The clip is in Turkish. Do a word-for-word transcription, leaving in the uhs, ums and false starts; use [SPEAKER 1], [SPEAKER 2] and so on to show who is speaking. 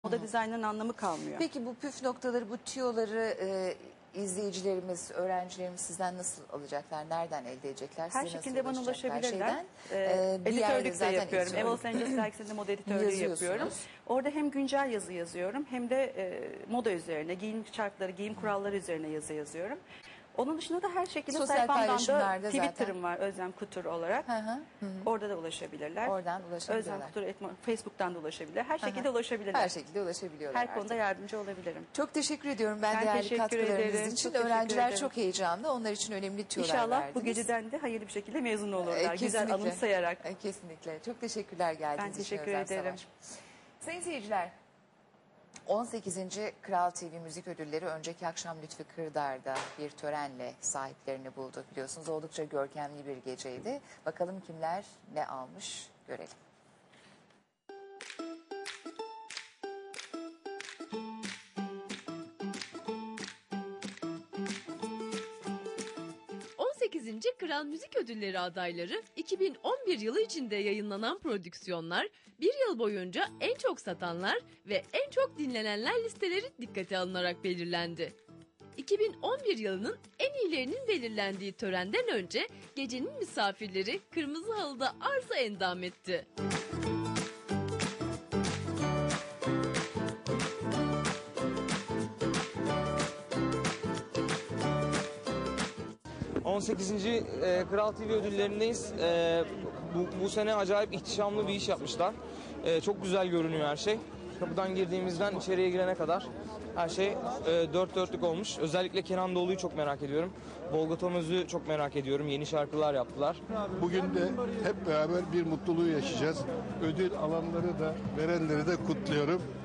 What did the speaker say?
[SPEAKER 1] Moda dizaynının anlamı kalmıyor.
[SPEAKER 2] Peki bu püf noktaları, bu tüyoları e, izleyicilerimiz, öğrencilerimiz sizden nasıl alacaklar? Nereden elde edecekler?
[SPEAKER 1] Her
[SPEAKER 2] Size
[SPEAKER 1] şekilde bana
[SPEAKER 2] ulaşacaklar?
[SPEAKER 1] ulaşabilirler.
[SPEAKER 2] Şeyden,
[SPEAKER 1] Ee,
[SPEAKER 2] e, bir yerde
[SPEAKER 1] editörlük de
[SPEAKER 2] zaten
[SPEAKER 1] yapıyorum.
[SPEAKER 2] editörlük.
[SPEAKER 1] Ev Los Angeles dergisinde moda editörlüğü
[SPEAKER 2] Yazıyorsunuz.
[SPEAKER 1] yapıyorum. Orada hem güncel yazı yazıyorum hem de e, moda üzerine, giyim şartları, giyim kuralları üzerine yazı yazıyorum. Onun dışında da her şekilde
[SPEAKER 2] Sosyal
[SPEAKER 1] sayfamdan da
[SPEAKER 2] paylaşımlarda
[SPEAKER 1] Twitter'ım
[SPEAKER 2] zaten.
[SPEAKER 1] var Özlem Kutur olarak.
[SPEAKER 2] Hı hı, hı hı.
[SPEAKER 1] Orada da ulaşabilirler.
[SPEAKER 2] Oradan ulaşabilirler.
[SPEAKER 1] Özlem Kutur etmo- Facebook'tan da ulaşabilirler. Her şekilde ulaşabilirler.
[SPEAKER 2] Her şekilde ulaşabiliyorlar
[SPEAKER 1] Her konuda
[SPEAKER 2] artık.
[SPEAKER 1] yardımcı olabilirim.
[SPEAKER 2] Çok teşekkür ediyorum ben,
[SPEAKER 1] Ben
[SPEAKER 2] değerli
[SPEAKER 1] teşekkür
[SPEAKER 2] katkılarınız
[SPEAKER 1] ederim.
[SPEAKER 2] için.
[SPEAKER 1] Çok teşekkür
[SPEAKER 2] Öğrenciler
[SPEAKER 1] ederim.
[SPEAKER 2] çok heyecanlı. Onlar için önemli tüyolar
[SPEAKER 1] İnşallah
[SPEAKER 2] verdiniz.
[SPEAKER 1] bu geceden de hayırlı bir şekilde mezun
[SPEAKER 2] E,
[SPEAKER 1] olurlar. Güzel
[SPEAKER 2] kesinlikle.
[SPEAKER 1] anımsayarak.
[SPEAKER 2] E, kesinlikle. Çok teşekkürler geldiğiniz
[SPEAKER 1] Ben
[SPEAKER 2] için
[SPEAKER 1] teşekkür
[SPEAKER 2] Özlem
[SPEAKER 1] ederim.
[SPEAKER 2] Savaş. Sayın seyirciler, on sekizinci Kral T V Müzik Ödülleri önceki akşam Lütfü Kırdar'da bir törenle sahiplerini buldu. Biliyorsunuz oldukça görkemli bir geceydi. Bakalım kimler ne almış görelim.
[SPEAKER 3] on sekizinci Kral Müzik Ödülleri adayları iki bin on bir yılı içinde yayınlanan prodüksiyonlar, bir yıl boyunca en çok satanlar ve en çok dinlenenler listeleri dikkate alınarak belirlendi. iki bin on bir yılının en iyilerinin belirlendiği törenden önce gecenin misafirleri kırmızı halıda arza endam etti.
[SPEAKER 4] on sekizinci E, Kral T V ödüllerindeyiz. E, bu, bu sene acayip ihtişamlı bir iş yapmışlar. E, çok güzel görünüyor her şey. Kapıdan girdiğimizden içeriye girene kadar her şey e, dört dörtlük olmuş. Özellikle Kenan Doğulu'yu çok merak ediyorum. Volga Tomöz'ü çok merak ediyorum. Yeni şarkılar yaptılar.
[SPEAKER 5] Bugün de hep beraber bir mutluluğu yaşayacağız. Ödül alanları da verenleri de kutluyorum.